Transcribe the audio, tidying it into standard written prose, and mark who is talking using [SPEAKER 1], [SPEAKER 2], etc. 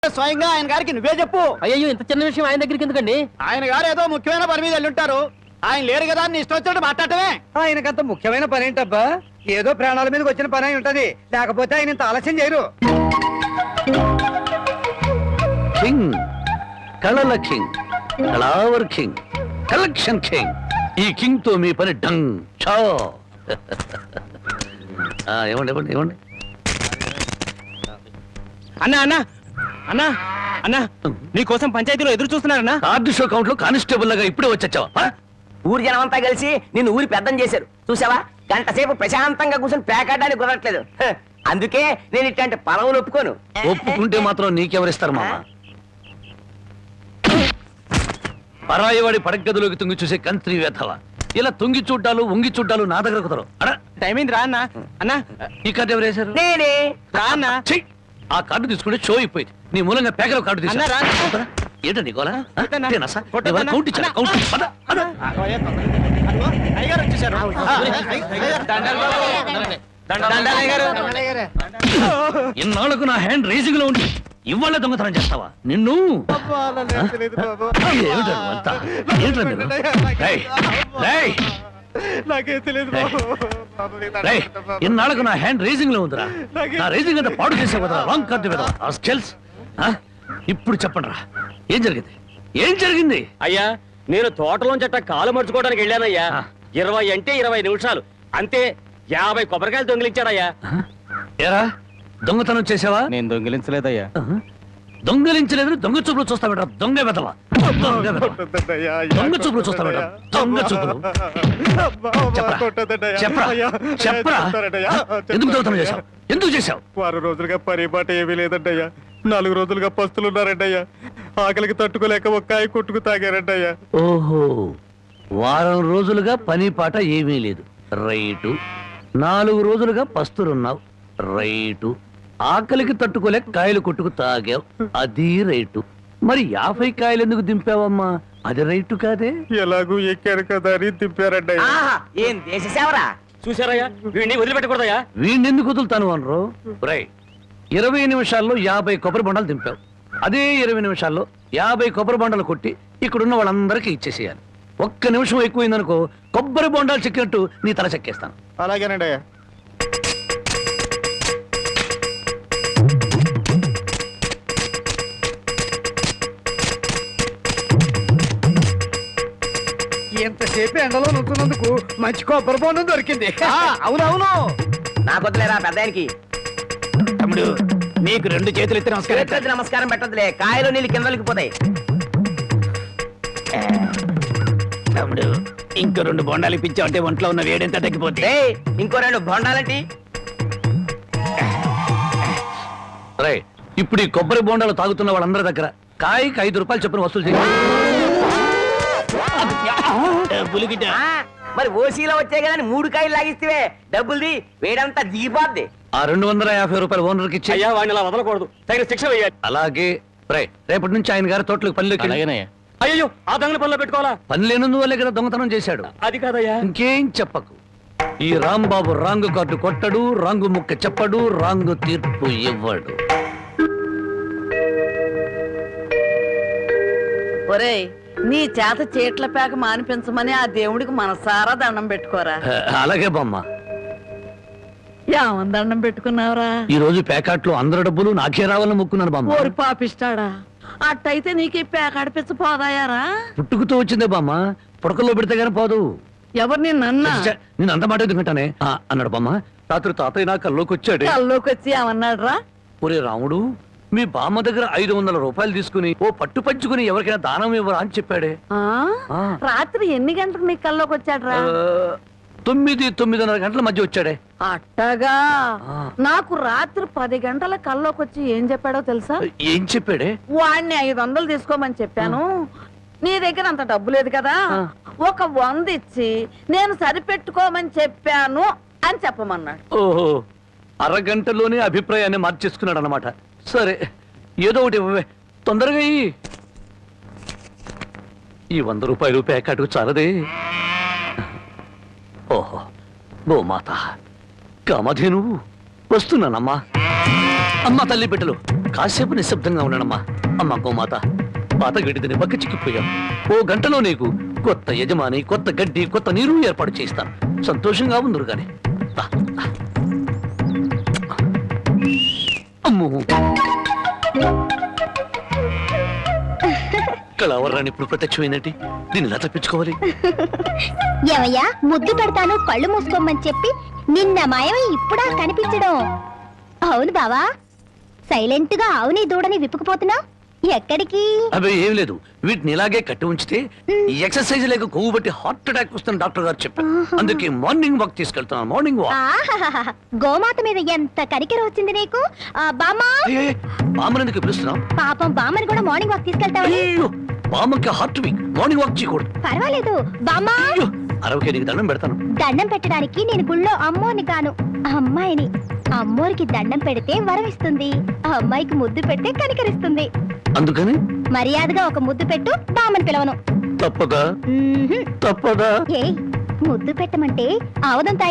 [SPEAKER 1] స్వయంగా ఆయన గారికి నువ్వే చెప్పు.
[SPEAKER 2] అయ్యో ఇంత చిన్న విషయం ఆయన దగ్గరికి ఎందుకండి?
[SPEAKER 1] ఆయన గారు ఏదో ముఖ్యమైన పని మీద వెళ్ళుంటారు. ఆయన లేరు కదా అని ఇష్టం వచ్చినట్టు మాట్లాడటమే.
[SPEAKER 3] ఆయనకంత ముఖ్యమైన పని ఏంటబ్బా? ఏదో ప్రాణాల మీదకి వచ్చిన పని అయి ఉంటది, లేకపోతే ఆయన ఇంత ఆలస్యం చేయరు.
[SPEAKER 4] కింగ్, కళల కింగ్, కళావర్ కింగ్, కలెక్షన్ కింగ్. ఈ కింగ్ తో మీ పని డంగ్ చో. ఇవ్వండి ఇవ్వండి ఇవ్వండి.
[SPEAKER 2] అన్నా అన్నా అన్నా అన్నా నీకోసం పంచాయతీలో ఎదురు చూస్తున్నారన్నా.
[SPEAKER 4] కార్డు షో కౌంట్ లో కానిస్టేబుల్ లాగా ఇప్పుడే వచ్చావా?
[SPEAKER 5] ఊరి జనం అంతా కలిసి నిన్ను ఊరి పెద్దం చేశారు చూసావా? గంట సేపు ప్రశాంతంగా కూర్చొని పేకాడడానికి కుదరట్లేదు. అందుకే నేను ఇట్లాంటి పలవులు ఒప్పుకోను.
[SPEAKER 4] ఒప్పుకుంటే మాత్రం నీకెవరిస్తారు మామ? పరాయివాడి పడగదిలోకి తుంగి చూసే కంత్రి వేధవ. ఇలా తుంగి చూడ్డాలు ఉంగి చూడ్డాలు నా దగ్గర కుదరవు.
[SPEAKER 2] టైం అయింది రా అన్నా. అన్నా
[SPEAKER 4] ఈ కార్డు ఎవరు వేశారు?
[SPEAKER 5] నేనే.
[SPEAKER 2] రా అన్నా.
[SPEAKER 4] ఆ కార్డు తీసుకుంటే షో అయిపోయింది. నీ మూలంగా పేకలో కార్డు
[SPEAKER 2] అన్నా, రా.
[SPEAKER 4] తీసుకున్నా. ఏంటండి గోలా?
[SPEAKER 2] కొట్టన్నా.
[SPEAKER 4] కౌంట్ ఇచ్చాను. కౌంట్ పద, పద.
[SPEAKER 1] అయ్యగారు వచ్చేసారు.
[SPEAKER 4] ఇన్నాళ్లకు నా హ్యాండ్ రేసింగ్ లో ఉండి ఇవాళ దొంగతనం చేస్తావా? నిన్ను ఇన్నాళ్లకు నా హ్యాండ్ రేసింగ్ లో ఉందిరా. నా రేసింగ్ అంతా పాడు చేసావు కదరా. రాంగ్ కార్డు కదా. ఇప్పుడు చెప్పండి రా, ఏం జరిగింది? ఏం జరిగింది?
[SPEAKER 2] అయ్యా నేను తోటలోంచి అట్ట కాలు మర్చుకోవడానికి వెళ్ళానయ్యా. 20 అంటే 20 నిమిషాలు అంతే. 50 కొబ్బరికాయలు దొంగిలించాడయ్యా.
[SPEAKER 4] ఏరా దొంగతనం చేసావా?
[SPEAKER 2] నేను దొంగిలించలేదయ్యా.
[SPEAKER 4] దొంగలించలేదు. దొంగ చూపులు చూస్తా బెట. దొంగ వెదవా. దొంగ చూపులు చూస్తా బెట. దొంగ చూపులు. చెప్పరా చెప్పరా ఎందుకు దొంగతనం చేశావు? ఎందుకు చేశావు?
[SPEAKER 1] 6 రోజులుగా పరిపాట ఏమీ లేదంటయ్యా. 4 రోజులుగా పస్తులున్నారంటయ్యా. ఆకలికి తట్టుకోలేక ఒక్కాయ కొట్టుకు తాగారంటయ్యా.
[SPEAKER 4] ఓహో, వారం రోజులుగా పని పాట ఏమీ లేదు. రైటు. 4 రోజులుగా పస్తులున్నావు. రైటు. ఆకలికి తట్టుకోలేక కాయలు కొట్టుకు తాగావు. అది రైటు. మరి 50 కాయలు ఎందుకు దింపావమ్మా? అది రైటు కాదే.
[SPEAKER 1] ఎలాగూ ఎక్కారు కదా అని దింపారంటయ్యా.
[SPEAKER 5] ఏం దేశ సేవరా?
[SPEAKER 2] చూసారయ్యా, వీడిని వదిలిపెట్టకూడదయ్యా.
[SPEAKER 4] వీణెందుకు వదులుతాను అనరు? రై 20 నిమిషాల్లో 50 కొబ్బరి బొండాలు దింపావు. అదే 20 నిమిషాల్లో 50 కొబ్బరి బొండాలు కొట్టి ఇక్కడున్న వాళ్ళందరికీ ఇచ్చేసేయాలి. 1 నిమిషం ఎక్కువైందనుకో కొబ్బరి బొండాలు చెక్కినట్టు నీ తల చెక్కేస్తాను.
[SPEAKER 1] అలాగేనండి అయ్యా.
[SPEAKER 3] ఎంతసేపు ఎండలో నుంచున్నందుకు మంచి కొబ్బరి బొండం దొరికింది.
[SPEAKER 1] అవునవును.
[SPEAKER 5] నాకు వద్దులేరా పెద్ద ఆయనకి.
[SPEAKER 1] తమ్ముడు నీకు 2 చేతులు ఎత్తి నమస్కారం.
[SPEAKER 5] చేతులెత్తి నమస్కారం పెట్టదులే, కాయలు నీళ్ళు కిందలకి పోతాయి.
[SPEAKER 1] తమ్ముడు ఇంకో 2 బొండాలు ఇప్పించావంటే ఒంట్లో ఉన్న వేడెంత తగ్గిపోతే.
[SPEAKER 5] ఇంకో 2 బొండాలంటి.
[SPEAKER 4] రై ఇప్పుడు ఈ కొబ్బరి బొండాలు తాగుతున్న వాళ్ళందరి దగ్గర కాయకి 5 రూపాయలు చొప్పున వసూలు చేయి.
[SPEAKER 5] మరి ఓసీలో వచ్చే కదా 3 కాయలు లాగిస్తే డబ్బుల్ది వేడంతా దిగిపోద్ది.
[SPEAKER 4] ఆ 250 రూపాయలు ఓనర్కి ఇచ్చి.
[SPEAKER 2] అయ్యా వాడిని అలా వదలకూడదు, తగిన శిక్ష వేయాలి.
[SPEAKER 4] అలాగే. రై రేపటి నుంచి ఆయన గారి తోటలకు పనిలోకి.
[SPEAKER 2] అయ్యో ఆ దొంగల పనిలో పెట్టుకోవాలా?
[SPEAKER 4] పని లేనందువల్లే కదా దొంగతనం చేశాడు.
[SPEAKER 2] అది కాదయ్యా.
[SPEAKER 4] ఇంకేం చెప్పకు. ఈ రాంబాబు రాంగు కార్డు కొట్టడు, రాంగు ముక్క చెప్పడు, రాంగు తీర్పు ఇవ్వడు.
[SPEAKER 6] ఒరేయ్, నీ చేత చీట్ల పేక మానిపించమని ఆ దేవుడికి మనసారా దండం పెట్టుకోరా.
[SPEAKER 4] అలాగే బామ్మ.
[SPEAKER 6] ఏమని దండం పెట్టుకున్నావురా?
[SPEAKER 4] ఈ రోజు ప్యాకెట్లో అందరి డబ్బులు నాకే రావాలని మొక్కున్నాను బామ్మ.
[SPEAKER 6] ఓరి పాపిస్తాడా, అట్టయితే నీకు ఈ పేక అడిపించ పోదాయారా?
[SPEAKER 4] పుట్టుకుతూ వచ్చిందే బామ్మ, పుడకల్లో పెడితే గానీ పోదు.
[SPEAKER 6] ఎవరు నిన్నన్నా?
[SPEAKER 4] నేను అంత మాట ఎందుకంటానే అన్నాడు బామ్మ. రాత్రి తాతయ్య నా కల్లోకి వచ్చాడు.
[SPEAKER 6] కల్లోకి వచ్చి ఏమన్నాడు రా?
[SPEAKER 4] ఒరే రాముడు, మీ బామ్మ దగ్గర 500 రూపాయలు తీసుకుని ఓ పట్టు పంచుకుని ఎవరికైనా దానం ఇవ్వరా అని చెప్పాడే.
[SPEAKER 6] రాత్రి ఎన్ని గంటలకు నీ కల్లోకి వచ్చాడు రా?
[SPEAKER 4] 9-9:30 గంటల మధ్య వచ్చాడే.
[SPEAKER 6] అట్టగా. నాకు రాత్రి 10 గంటల కల్లోకి వచ్చి ఏం చెప్పాడో తెలుసా?
[SPEAKER 4] ఏం చెప్పాడే?
[SPEAKER 6] వాడిని 500 తీసుకోమని చెప్పాను. నీ దగ్గర అంత డబ్బు లేదు కదా, ఒక 100 ఇచ్చి నేను సరిపెట్టుకోమని చెప్పాను అని చెప్పమన్నాడు.
[SPEAKER 4] ఓహో, అరగంటలోనే అభిప్రాయాన్ని మార్చేసుకున్నాడు అన్నమాట. సరే ఏదో ఒకటి ఇవ్వవే, తొందరగా ఈ 100 రూపాయలు ప్యాకెట్కు చాలదే. ఓహో, గోమాత కామధేను వస్తున్నానమ్మా. అమ్మ తల్లి బిడ్డలు కాసేపు నిశ్శబ్దంగా ఉన్నానమ్మా. అమ్మా గోమాత, పాత గడ్డిని బక్క చిక్కిపోయాం. ఓ గంటలో నీకు కొత్త యజమాని, కొత్త గడ్డి, కొత్త నీరు ఏర్పాటు చేస్తాను. సంతోషంగా ఉందరు గాని. అమ్మో, కళావరాన్ని ఇప్పుడు ప్రత్యక్షమైనట్టి దీన్ని ఎలా తప్పించుకోవాలి?
[SPEAKER 7] ఏమయ్యా, ముద్దు పెడతాను కళ్ళు మూసుకోమని చెప్పి నిన్న మాయమై ఇప్పుడా కనిపించడం? అవును బావా, సైలెంట్ గా ఆవుని దూడని విప్పుకుపోతున్నా ఎక్కడికి?
[SPEAKER 4] అవి ఏం లేదు, వీటిని ఇలాగే కట్టి ఉంచితే ఈ ఎక్సర్సైజ్ లేక కొవ్వు బట్టి హార్ట్ అటాక్ వస్తుంది డాక్టర్ గారు చెప్పారు. అందుకే మార్నింగ్ వాక్ తీసుకెళ్తున్నాను. Morning walk.
[SPEAKER 7] ఆహాహాహా, గోమాత మీద ఎంత కనికెర వచ్చింది నీకు. బామ్మా,
[SPEAKER 4] బామ్మనందుకు పిలుస్తున్నాం.
[SPEAKER 7] పాపం బామ్మని కూడా మార్నింగ్ వాక్ తీసుకెళ్తావని.
[SPEAKER 4] అయ్యో, బామ్మకి హార్ట్ వీక్, మార్నింగ్ వాక్ చేయకూడదు.
[SPEAKER 7] పర్వాలేదు బామ్మా,
[SPEAKER 4] అరవకే నీకు దండం పెడతాను.
[SPEAKER 7] దండం పెట్టడానికి నేను గుళ్ళో అమ్మోని కాను, అమ్మాయిని. అమ్మోరికి దండం పెడితే వరం ఇస్తుంది, అమ్మాయికి ముద్దు పెడితే కనికరిస్తుంది.
[SPEAKER 4] అందుకని
[SPEAKER 7] మర్యాదగా ఒక ముద్దు పెట్టు, బామ్మని పిలవను.
[SPEAKER 4] తప్పదా? తప్పదా?
[SPEAKER 7] ఏ ముద్దు పెట్టమంటే ఆవదం